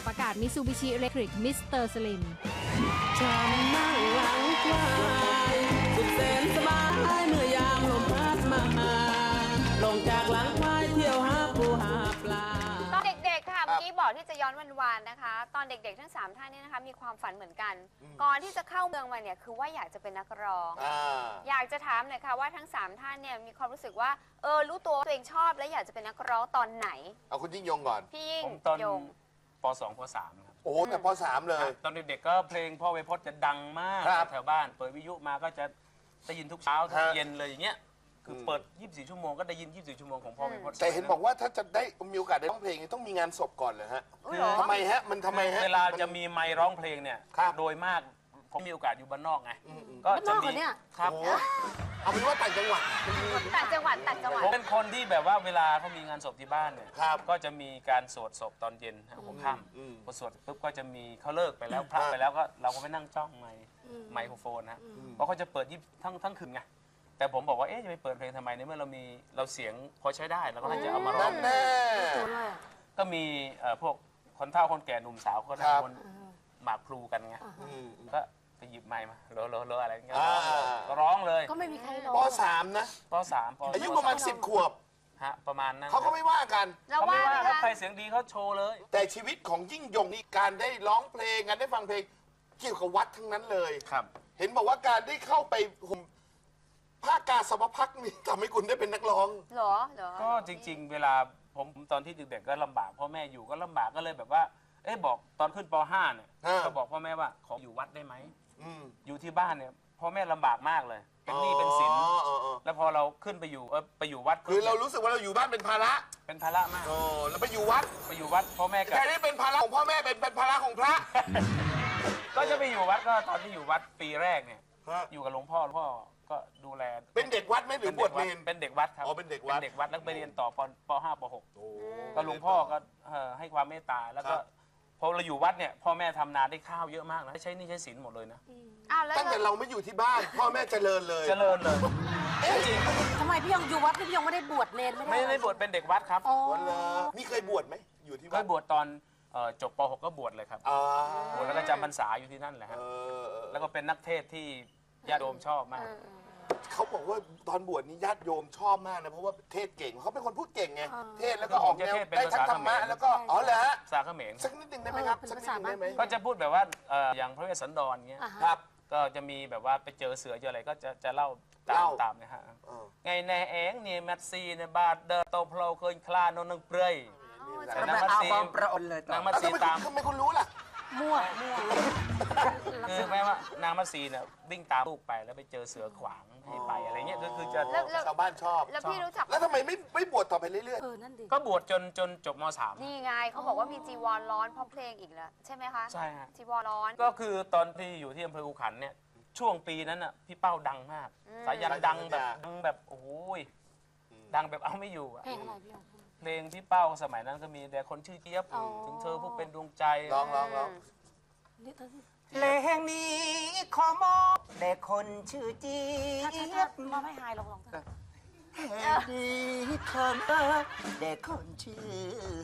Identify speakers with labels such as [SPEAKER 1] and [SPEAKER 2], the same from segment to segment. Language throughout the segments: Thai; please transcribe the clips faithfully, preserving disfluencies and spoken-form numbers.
[SPEAKER 1] อากาศ Mitsubishi Electric มิสเตอร์ Slim
[SPEAKER 2] ฉันนั่งหลังควายสุดแสนสบายเมื่อยามลมพัดมาลงจากหลังควายเที่ยวหาปูหาปลา
[SPEAKER 3] ตอนเด็กๆค่ะเมื่อกี้บอกที่จะย้อนวันวานนะคะ ตอนเด็กๆทั้งสามท่านนี้นะคะมีความฝันเหมือนกัน ก่อนที่จะเข้าเมืองมาเนี่ยคือว่าอยากจะเป็นนักร้องอยากจะถามหน่อยค่ะว่าทั้งสามท่านเนี่ยมีความรู้สึกว่าเออรู้ตัวตัวเองชอบและอยากจะเป็นนักร้องตอนไหน
[SPEAKER 4] เอาคุณยิ่งยงก่อน
[SPEAKER 3] พี่ยิ่ง
[SPEAKER 5] ผมตอน
[SPEAKER 3] ยง
[SPEAKER 5] ป สอง ป สามครับ
[SPEAKER 4] โอ้แต่ป สามเลย
[SPEAKER 5] ตอนเด็กๆก็เพลงพ่อไวโพจน์จะดังมากแถวบ้านเปิดวิทยุมาก็จะได้ยินทุกเช้าทุกเย็นเลยอย่างเงี้ยคือเปิดยี่สิบสี่ชั่วโมงก็ได้ยินยี่สิบสี่ชั่วโมงของพ่อไวโพจน์
[SPEAKER 4] แต่เห็นบอกว่าถ้าจะได้มีโอกาสได้ร้องเพลงต้องมีงานศพก่อนเลยฮะทำไมฮะมันทำไมฮะ
[SPEAKER 5] เวลาจะมีไมค์ร้องเพลงเนี่ยโดยมากผมมีโอกาสอยู่บ้านนอกไงก็จะมีครับ
[SPEAKER 4] เอาเป็นว่าต่างจังหวัด
[SPEAKER 3] ต่างจังหวัดต่างจังหวัด
[SPEAKER 5] ผมเป็นคนที่แบบว่าเวลาเขามีงานศพที่บ้านเนี่ยก็จะมีการสวดศพตอนเย็นหัวค่ำพอสวดปุ๊บก็จะมีเขาเลิกไปแล้วพระไปแล้วก็เราก็ไปนั่งจ้องไมค์ไมโครโฟนนะเพราะเขาจะเปิดยี่ทั้งทั้งคืนไงแต่ผมบอกว่าเอ๊ะจะไปเปิดเพลงทำไมในเมื่อเรามีเราเสียงพอใช้ได้เราก็น่าจะเอามาร้อง
[SPEAKER 4] แน่
[SPEAKER 5] ก็มีพวกคนเฒ่าคนแก่หนุ่มสาวก็นั่งบนหมากพลูกันไงก็ไปหยิบไมค์มาโลโลโลอะไรเงี้ยก็ร้องเลย
[SPEAKER 3] ก็ไม่มีใครร้อง
[SPEAKER 4] ป สาม นะ
[SPEAKER 5] ป สาม
[SPEAKER 4] อายุประมาณสิบขวบ
[SPEAKER 5] ฮะประมาณนั้น
[SPEAKER 4] เขาก็ไม่ว่ากัน
[SPEAKER 3] เราว่า
[SPEAKER 5] ถ้าใครเสียงดีเขาโชว์เลย
[SPEAKER 4] แต่ชีวิตของยิ่งยงนี่การได้ร้องเพลงการได้ฟังเพลงเกี่ยวกับวัดทั้งนั้นเลย
[SPEAKER 5] ครับ
[SPEAKER 4] เห็นบอกว่าการได้เข้าไปห่มผ้ากาสาวพักนี่ทำให้คุณได้เป็นนักร้อง
[SPEAKER 3] เหรอเหรอ
[SPEAKER 5] ก็จริงๆเวลาผมตอนที่เด็กๆก็ลำบากพ่อแม่อยู่ก็ลำบากก็เลยแบบว่าเอ๊ะบอกตอนขึ้นป ห้าเนี่ยก็บอกพ่อแม่ว่าขออยู่วัดได้ไหมอยู่ที่บ้านเนี่ยพ่อแม่ลำบากมากเลยเป็นหนี้เป็นสินแล้วพอเราขึ้นไปอยู่เออไปอยู่วัด
[SPEAKER 4] คือเรารู้สึกว่าเราอยู่บ้านเป็นภาระ
[SPEAKER 5] เป็นภาระมาก
[SPEAKER 4] โอ้แล้วไปอยู่วัด
[SPEAKER 5] ไปอยู่วัดพ่อแม่
[SPEAKER 4] แค่นี้เป็นภาระของพ่อแม่เป็นเป็นภาระของพระ
[SPEAKER 5] ก็จะไปอยู่วัดก็ตอนที่อยู่วัดปีแรกเนี่ยอยู่กับหลวงพ่อหลวงพ่อก็ดูแล
[SPEAKER 4] เป็นเด็กวัดไหมหรือบวชเนร
[SPEAKER 5] เป็นเด็กวัดครับ
[SPEAKER 4] อ๋อเป็นเด็กวัด
[SPEAKER 5] เป็นเด็กวัดแล้วไปเรียนต่อปปห้าปหกก็หลวงพ่อก็ให้ความเมตตาแล้วก็พอเราอยู่วัดเนี่ยพ่อแม่ทำนาได้ข้าวเยอะมากนะใช้นี่ใช้สินหมดเลยนะ
[SPEAKER 4] ตั้งแต่เราไม่อยู่ที่บ้านพ่อแม่เจริญเลย
[SPEAKER 5] เจริญเลยจริง
[SPEAKER 6] ทำไมพี่ยงอยู่วัดพี่ยงไม่ได้บวชเนร
[SPEAKER 5] ไม่ได้ไม่ได้บวชเป็นเด็กวัดครับ
[SPEAKER 4] มีเคยบวชไหมอยู่ที่วัด
[SPEAKER 5] เคยบวชตอนจบปหกก็บวชเลยครับบวชแล้วก็จำพรรษาอยู่ที่นั่นแหละฮะแล้วก็เป็นนักเทศที่ญาติโยมชอบมาก
[SPEAKER 4] เขาบอกว่าตอนบวชนี้ญาติโยมชอบมากนะเพราะว่าเทศเก่งเขาเป็นคนพูดเก่งไงเทศแล้วก็ออกแนวได้ทั้งธรรมะแล้วก็อ๋อเหรอฮะ
[SPEAKER 5] ภาษาเขมร
[SPEAKER 4] สักนิดหนึ่งได้ไหมครับสักนิดหนึ่งได้ไหม
[SPEAKER 5] ก็จะพูดแบบว่าอย่างพระเวสสันดรเงี้ยครับก็จะมีแบบว่าไปเจอเสือเจออะไรก็จะจะเล่าตามตามนะฮะไงแน่เองเนี่ยแมทซีเนี่ยบาดเดอร์โตพลเคยคลานนนึงเปรย์
[SPEAKER 2] นางมัตซีประอนเลย
[SPEAKER 5] นางมัตซีตาม
[SPEAKER 4] ทำไมคุณรู้ล่ะ
[SPEAKER 6] มั่วมั่ว
[SPEAKER 5] คือแม่ว่านางมัตซีเนี่ยวิ่งตามลูกไปแล้วไปเจอเสือขวางให้ไปอะไรเงี้ยก็คือจะ
[SPEAKER 4] ชาวบ้านชอบ
[SPEAKER 3] แล้วพี่รู้จัก
[SPEAKER 4] แล้วทำไมไม่ไม่บวชต่อไปเรื่อย
[SPEAKER 5] ๆก็บวชจนจนจบม.สาม
[SPEAKER 3] นี่ไงเขาบอกว่ามีจีวรร้อนเพราะเพลงอีกแล้วใช่ไหมคะ
[SPEAKER 5] ใช่ฮะ
[SPEAKER 3] จีวรร้อน
[SPEAKER 5] ก็คือตอนที่อยู่ที่อำเภออู่ขันเนี่ยช่วงปีนั้นอ่ะพี่เป้าดังมากสายันดังแบบดังแบบโอ้ยดังแบบเอาไม่อยู่อะเพลงพี่เป้าสมัยนั้นก็มีแต่คนชื่อเจี๊ยบถึงเธอผู้เป็นดวงใจ
[SPEAKER 4] ร้องร้องร้อง
[SPEAKER 2] เพลงนี้ขอมอบแด่คนชื่อเจี๊ยบ
[SPEAKER 6] มอบให้หายลองลองเถอะ
[SPEAKER 2] เพลงนี้ขอมอบแด่คนชื่อ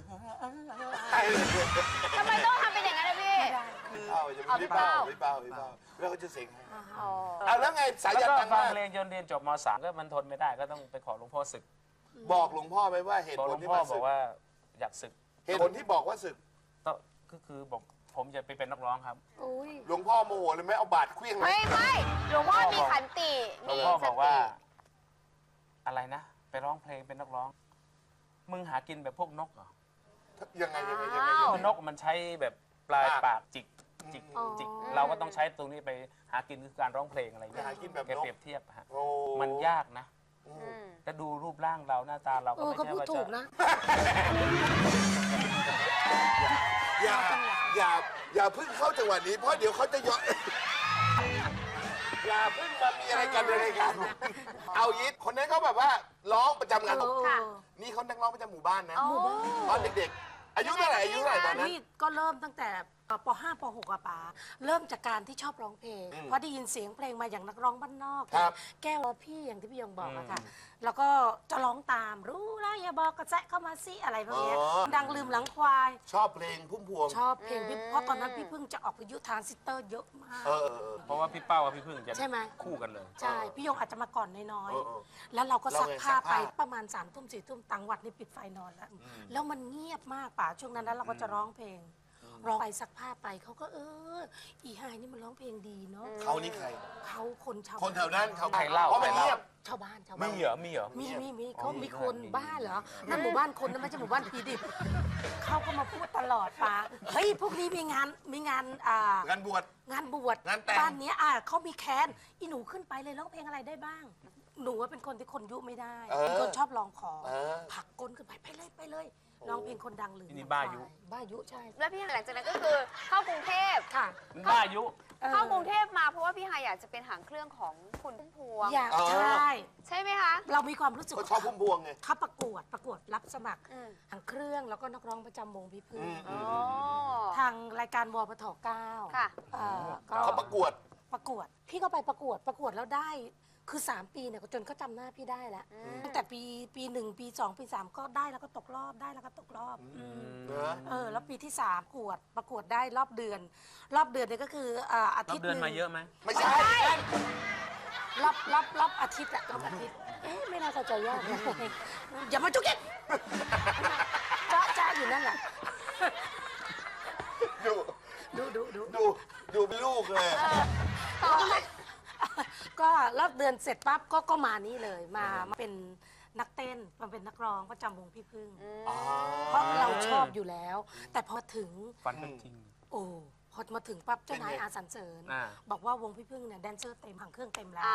[SPEAKER 3] ทำไมต้องทำเป็นอย่างนั้นนะพี่
[SPEAKER 4] เอาพี่เป้าพี่เป้าพี่เป้าแล้วก็จะเสียงให้เอาแล้วไงสายันดัง
[SPEAKER 5] มาก
[SPEAKER 4] ฟัง
[SPEAKER 5] เพลงจนเรียนจบม.สามก็มันทนไม่ได้ก็ต้องไปขอหลวงพ่อศึก
[SPEAKER 4] บอกหลวงพ่อไหมว่าเหตุผลที่มา
[SPEAKER 5] ศึกบอกว่าอยากศึก
[SPEAKER 4] เหตุผลที่บอกว่าศึก
[SPEAKER 5] ก็คือบอกผมจะไปเป็นนักร้องครับ
[SPEAKER 4] หลวงพ่อโมโหเลยไหมเอาบาดเครื่อง
[SPEAKER 3] ไม่ไม่หลวงพ่อมีขันติ
[SPEAKER 5] หลวงพ่อบอกว่าอะไรนะไปร้องเพลงเป็นนักร้องมึงหากินแบบพวกนกเหรอ
[SPEAKER 4] ยังไงยังไงยังไง
[SPEAKER 5] นกมันใช้แบบปลายปากจิกจิกจิกเราก็ต้องใช้ตรงนี้ไปหากินคือการร้องเพลงอะไรอย่างเงี้ยแกเปรียบเทียบฮะมันยากนะจะดูรูปร่างเราหน้าตาเราก็ไม่ใช่ว่าจะ
[SPEAKER 4] อย่าอย่าอย่าเพิ่งเข้าจังหวะนี้เพราะเดี๋ยวเขาจะย้อนอย่าเพิ่งมามีอะไรกันอะไรกันเอายิดคนนั้นเขาแบบว่าร้องประจำงานนี่เขานักร้องประจำหมู่บ้านนะตอนเด็กๆอายุเท่าไหร่อายุเท่าไหร่ตอนนั้น
[SPEAKER 6] นี่ก็เริ่มตั้งแต่ป .ห้า ป .หก อะป๋าเริ่มจากการที่ชอบร้องเพลง
[SPEAKER 4] อืม
[SPEAKER 6] เพราะได้ยินเสียงเพลงมาอย่างนักร้องบ้านนอก
[SPEAKER 4] ครับ
[SPEAKER 6] แก้วรอพี่อย่างที่พี่ยงบอกอะค่ะแล้วก็จะร้องตามรู้แล้วอย่าบอกกระแซะเข้ามาสิอะไรพวกเนี้ย
[SPEAKER 4] อ๋อ
[SPEAKER 6] ดังลืมหลังควาย
[SPEAKER 4] ชอบเพลงพุ่มพวง
[SPEAKER 6] ชอบเพลงพี่เพราะตอนนั้นพี่เพิ่งจะออกวิทยุทรานซิสเตอร์เยอะมาก
[SPEAKER 4] เออเออเออ
[SPEAKER 5] เพราะว่าพี่เป้ากับพี่พึ่งจะ
[SPEAKER 6] ใช่ไหม
[SPEAKER 5] คู่กันเลย
[SPEAKER 6] ใช่ พี่ยงอาจจะมาก่อนน้อย
[SPEAKER 4] เออเออ
[SPEAKER 6] ๆ แล้วเราก็ซักผ้า
[SPEAKER 4] เราไงซัก
[SPEAKER 6] ไป
[SPEAKER 4] ผ้า
[SPEAKER 6] ประมาณสามทุ่มสี่ทุ่มต่างวัดนี่ปิดไฟนอนแล้ว แล้วมันเงียบมากป่าช่วงนั้นแล้วเราก็จะร้องเพลง ร้องไปซักผ้าไปเขาก็เออ อีไฮนี่มันร้องเพลงดีเนาะ
[SPEAKER 4] เขานี่ใคร
[SPEAKER 6] เขาคนชาว
[SPEAKER 4] คนแถวนั้นเขา
[SPEAKER 5] ใครเล่า
[SPEAKER 4] เพราะมันเงียบ
[SPEAKER 6] ชาวบ้านชาว
[SPEAKER 5] มี
[SPEAKER 6] บ้าน
[SPEAKER 5] เหรอมีเหรอ
[SPEAKER 6] มีมีมีเขามีคนบ้าเหรอ นั่นหมู่บ้านคนนั่นไม่ใช่หมู่บ้านผีดิบเขาก็มาพูดตลอดป่าเฮ้ยพวกนี้มีงานมีงานอ่า
[SPEAKER 4] งานบวช
[SPEAKER 6] งานบวช
[SPEAKER 4] งานแต่ง
[SPEAKER 6] บ้านเนี้ยอ่ะเขามีแคนอีหนูขึ้นไปเลยร้องเพลงอะไรได้บ้าง หนูว่าเป็นคนที่คนยุไม่ได้
[SPEAKER 4] เออ
[SPEAKER 6] เป็นคนชอบลองของ
[SPEAKER 4] เออ
[SPEAKER 6] ผลักก้นขึ้นไปไปเลยไปเลยร้องเพลงคนดังหรือ
[SPEAKER 5] นี่บ้ายุ
[SPEAKER 6] บ้ายุใช่
[SPEAKER 3] แล้วพี่หลังจากนั้นก็คือเข้ากรุงเทพ
[SPEAKER 6] ค่ะ
[SPEAKER 5] มันบ้าอายุ
[SPEAKER 6] ออ
[SPEAKER 3] เข้ากรุงเทพมาเพราะว่าพี่ฮายอยากจะเป็นหางเครื่องของคุณพุ่มพวง
[SPEAKER 6] อยาก
[SPEAKER 4] อ๋อ
[SPEAKER 6] ใช่
[SPEAKER 3] ใช่ไหมคะ
[SPEAKER 6] เรามีความรู้สึก
[SPEAKER 4] ก็ชอบพุ่มพวงไง
[SPEAKER 6] เขาประกวดประกวดรับสมัคร
[SPEAKER 3] อืม
[SPEAKER 6] หางเครื่องแล้วก็นักร้องประจำวงพี่พึ่ง
[SPEAKER 4] อืม
[SPEAKER 3] อ๋อ
[SPEAKER 6] ทางรายการวอปทเก้า
[SPEAKER 3] ค่ะ
[SPEAKER 6] เอ่อก็
[SPEAKER 4] เขาประกวด
[SPEAKER 6] ประกวด พี่ก็ไปประกวดประกวดแล้วได้คือ สาม ปีเนี่ยจนเขาจำหน้าพี่ได้แล้วตั้งแต่ปีปีหนึ่งปีสองปีสามก็ได้แล้วก็ตกรอบได้แล้วก็ตกรอบ
[SPEAKER 4] เนอะ
[SPEAKER 6] เออแล้วปีที่สามประกวดประกวดได้รอบเดือน รอบเดือนเนี่ยก็คืออ่าอา
[SPEAKER 5] รั
[SPEAKER 6] ทิ
[SPEAKER 5] บ
[SPEAKER 6] ตย์
[SPEAKER 5] เดือน
[SPEAKER 6] หนึ่ง
[SPEAKER 5] มาเยอะไหม
[SPEAKER 4] ไม่ใช่
[SPEAKER 6] รอบรอบรอบอาทิตย์อะรอบอาทิตย์เอ๊ะไม่น่าเข้าใจยากนะอย่ามาจุกจิกจ้าจ้าอยู่นั่นแหละ
[SPEAKER 4] ดู
[SPEAKER 6] ดูดูดู
[SPEAKER 4] ดูดูเป็นลูกเลย
[SPEAKER 6] ก็รอบเดือนเสร็จปั๊บก็ก็มานี่เลยมามาเป็นนักเต้นมาเป็นนักร้องประจำวงพี่พึ่ง
[SPEAKER 4] อ๋อ
[SPEAKER 6] เพราะเราชอบอยู่แล้ว แต่พอถึง
[SPEAKER 5] ฟันเป็นจริง
[SPEAKER 6] โอ้พอมาถึงปั๊บเจ้านาย
[SPEAKER 4] เป็นไง
[SPEAKER 6] อาสันเสริญ
[SPEAKER 5] อ่า
[SPEAKER 6] บอกว่าวงพี่พึ่งเนี่ยแดนเซอร์เต็มหางเครื่องเต็มแล้ว
[SPEAKER 3] อ้าว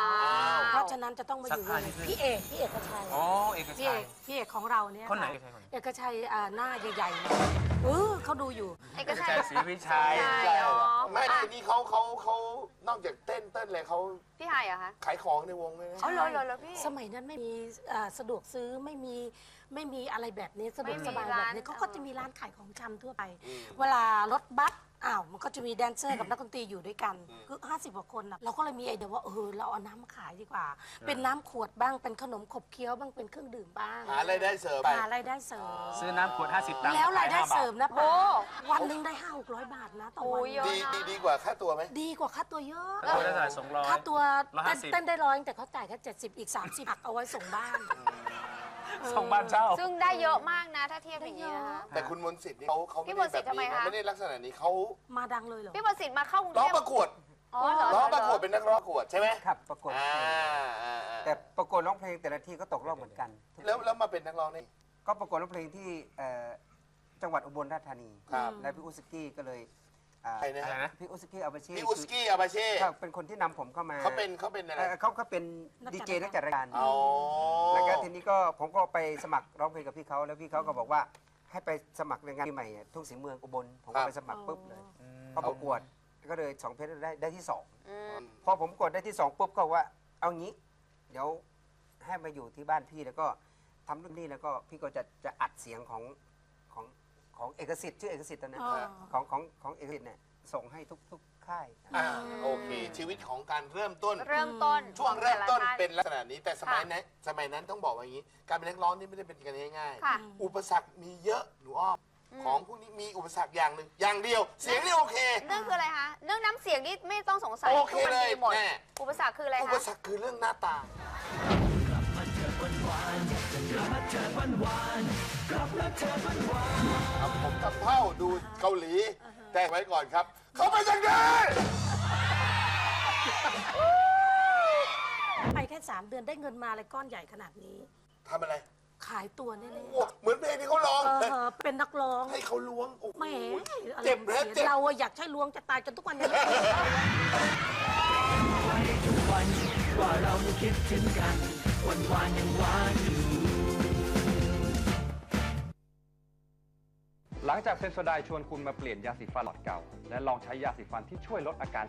[SPEAKER 6] เพราะฉะนั้นจะต้องมาอยู่ว
[SPEAKER 5] สัก
[SPEAKER 6] ง
[SPEAKER 5] พักนิดนึง
[SPEAKER 6] พี่เอกพี่เอกชัย
[SPEAKER 5] อ๋อเอก
[SPEAKER 6] พี่
[SPEAKER 5] ชั
[SPEAKER 6] เอย กพี่เอกของเราเนี่ย
[SPEAKER 5] คนไหน
[SPEAKER 6] ค่ะ
[SPEAKER 5] เอกชัยคนไหน
[SPEAKER 6] เอกชัยอ่าหน้าใหญ่ๆเลยเออเขาดูอยู่
[SPEAKER 3] เอก
[SPEAKER 5] เอก
[SPEAKER 3] ชั
[SPEAKER 5] ชั
[SPEAKER 3] ย
[SPEAKER 5] ยศรีวิชัย
[SPEAKER 3] ใช่
[SPEAKER 4] ใช่
[SPEAKER 3] อ๋อ
[SPEAKER 4] ไม่ทีนี้เขาเขาเขานอกจากเต้นเต้นเลยเขา
[SPEAKER 3] พี่ฮายเหรอคะ
[SPEAKER 4] ขายของในวงเลยนะ
[SPEAKER 3] อ๋อเหรอเหรอเหรอพี่
[SPEAKER 6] สมัยนั้นไม่มีอ่าสะดวกซื้อไม่มีไม่มีอะไรแบบนี้สะดวก
[SPEAKER 3] ไม่มี
[SPEAKER 6] สบายแบบ
[SPEAKER 3] ร้าน
[SPEAKER 6] นี้เขาก็จะมีร้านขายของชำทั่วไป เวลารถบัสอ้าวมันก็จะมีแดนเซอร์กับนักดนตรีอยู่ด้วยกันคือห้าสิบกว่าคนนะเราก็เลยมีไอเดียว่าเออเราเอาน้ำมาขายดีกว่า เป็นน้ำขวดบ้างเป็นขนมขบเคี้ยวบ้างเป็นเครื่องดื่มบ้าง
[SPEAKER 4] หารายได้เสริมไป
[SPEAKER 6] หารายได้เสริม
[SPEAKER 5] ซื้อน้ำขวดห้าสิบตังค์
[SPEAKER 6] แล้วรายได้
[SPEAKER 5] ขห้บท
[SPEAKER 6] เสริมนะ
[SPEAKER 3] โอ้
[SPEAKER 6] ป้าวันหนึงได้ห้าหกร้อยบาทนะต่อวัน
[SPEAKER 3] โอ้ยเยอะ
[SPEAKER 4] ดีดีดีกว่าค่าตัวไหม
[SPEAKER 6] ดีกว่าค่าตัวเยอะ
[SPEAKER 5] แล้วตัวได้เท่าไหร่สองร้อย
[SPEAKER 6] ค่าตัว
[SPEAKER 5] ร้อย
[SPEAKER 6] เต้
[SPEAKER 5] ห้าน สิบ
[SPEAKER 6] เต้นได้ร้อยแต่เขาจ่ายแค่เจ็ดสิบอีกสามสิบหักเอาไว้ส่งบ้าน
[SPEAKER 5] ส่งบ้านเช่า
[SPEAKER 3] ซึ่งได้เยอะมากนะถ้าเทียบอย่างนี้นะคะ
[SPEAKER 4] แต่คุณมนต์สิทธิ์นี่เขาเขา
[SPEAKER 3] พี่
[SPEAKER 4] ไม่
[SPEAKER 3] มนต์สิ
[SPEAKER 4] ได้
[SPEAKER 3] ทธิ์
[SPEAKER 4] แบบนี้
[SPEAKER 3] ทำไมคะ
[SPEAKER 4] นะไม่ได้ลักษณะนี้เขา
[SPEAKER 6] มาดังเลยเหรอ
[SPEAKER 3] พี่ประสิทธิ์มาเข้ากรุง
[SPEAKER 4] ร้
[SPEAKER 3] เท
[SPEAKER 4] อง
[SPEAKER 3] พ
[SPEAKER 4] ประกวด
[SPEAKER 3] อ๋อเหรอ
[SPEAKER 4] ร้องประกวด
[SPEAKER 3] เห
[SPEAKER 4] เป็นนักร้องประกวดใช่ไหม
[SPEAKER 7] ครับประกวด
[SPEAKER 4] อ่า
[SPEAKER 7] เพลง
[SPEAKER 4] อ่าอ่า
[SPEAKER 7] แต่ประกวดร้องเพลงแต่ละที่ก็ตกรอบเหมือนกัน
[SPEAKER 4] แล้วแล้วมาเป็นนักร้องนี่
[SPEAKER 7] ก็ประกวดร้องเพลงที่เอ่อจังหวัดอุบลราชธานี
[SPEAKER 4] ครับ
[SPEAKER 7] และพี่อุสกี้ก็เลยอ่า
[SPEAKER 4] ใครนะ
[SPEAKER 5] อะไรนะ
[SPEAKER 7] พี่อุสกี้อาบาเช่
[SPEAKER 4] พี่อุสกี้อาบาเช่
[SPEAKER 7] ครับเป็นคนที่นำผมเข้ามา
[SPEAKER 4] เขาเป็นเขาเป็นอะไร
[SPEAKER 7] เอ่อเขาเขาเป็น
[SPEAKER 6] นักจัด
[SPEAKER 7] ดีเจนักจัดรายการ
[SPEAKER 4] อ๋อ
[SPEAKER 7] แล้วก็ทีนี้ก็ผมก็ไปสมัครร้องเพลงกับพี่เขาแล้วพี่เขาก็บอกว่าให้ไปสมัครในงานปีใหม่อะทุ่งศรีเมืองอุบลผมก็ไปสมัครปุ๊บเลยพอประกวดก็เลยสองเพลงได้ได้ที่สอง
[SPEAKER 3] อืม
[SPEAKER 7] พอผมกดได้ที่สองปุ๊บก็ว่าเอางี้ เดี๋ยวให้มาอยู่ที่บ้านพี่แล้วก็ทำรุ่นนี้แล้วก็พี่ก็จะจะอัดเสียงของของของเอกสิทธิ์ชื่อเอกสิทธิ์ตอนนั้น
[SPEAKER 6] อ๋อ
[SPEAKER 7] ของของของเอกสิทธิ์เนี่ยส่งให้ทุกทุกค่าย
[SPEAKER 4] อ่าโอเค ชีวิตของการเริ่มต้น
[SPEAKER 3] เริ่มต้น
[SPEAKER 4] ช่วงเริ่มต้น
[SPEAKER 3] ของแต่ละท่า
[SPEAKER 4] เป็นลักษณะนี้แต่สมัยนั้นสมัยนั้นต้องบอกว่าอย่างนี้ การเป็นนักร้องนี่ไม่ได้เป็นกันง่าย
[SPEAKER 3] ค่ะ
[SPEAKER 4] ๆ อุปสรรคมีเยอะหนูอ้อมของพวกนี้มีอุปสรรคอย่างหนึ่งอย่างเดียว เสียงนี่โอเค
[SPEAKER 3] เรื่องคืออะไรคะ เรื่องน้ำเสียงนี่ไม่ต้องสงสัย
[SPEAKER 4] โอเค
[SPEAKER 3] ทุกมัน
[SPEAKER 4] เลย
[SPEAKER 3] ดีหมด
[SPEAKER 4] แน่
[SPEAKER 3] อุปสรรคคืออะไร
[SPEAKER 4] อุป
[SPEAKER 3] คะ
[SPEAKER 4] สรรคคือเรื่องหน้าตาครับผมทำเท่าดูเกาหลี แต่ไว้ก่อนครับ เขาไปจากไหน
[SPEAKER 6] ไปแค่สามเดือนได้เงินมาอะไรก้อนใหญ่ขนาดนี้
[SPEAKER 4] ทำอะไร
[SPEAKER 6] ขายตัวแน่
[SPEAKER 4] โอ้เหมือนเพลงที่เขาร้อง
[SPEAKER 6] ๆเออเป็นนักร้อง
[SPEAKER 4] ให้เขาล้วงโอ้โห
[SPEAKER 6] แหมอาร
[SPEAKER 4] เจ็บ
[SPEAKER 6] มณ์
[SPEAKER 4] นะ
[SPEAKER 6] เสีย
[SPEAKER 4] เจ็บ
[SPEAKER 6] เราอะอยากใช้ล้วงจะตายจนทุกวันนี้
[SPEAKER 8] หลังจากเซนโซไดน์ชวนคุณมาเปลี่ยนยาสีฟันหลอดเก่า และลองใช้ยาสีฟันที่ช่วยลดอาการ